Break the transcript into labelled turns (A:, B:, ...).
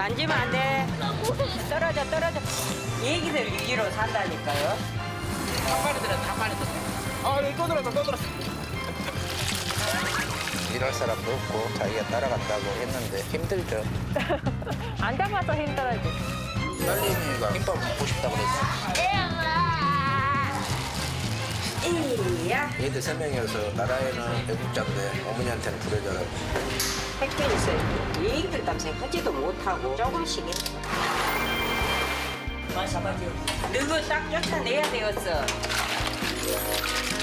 A: 만지면 안 돼. 떨어져. 얘기들 위기로 산다니까요.
B: 일할 사람도 없고 자기가 따라간다고 했는데 힘들죠.
C: 안 잡아서 힘들어지.
B: 딸내미가 김밥 먹고 싶다 그랬어.
A: 이야.
B: 얘들 3명이어서 나라에는 애국자인데 어머니한테는 불효자라고.
A: 택배에서 얘기들 땀새 하지도 못하고 조금씩 해. 너거 딱 쫓아내야 되겠어.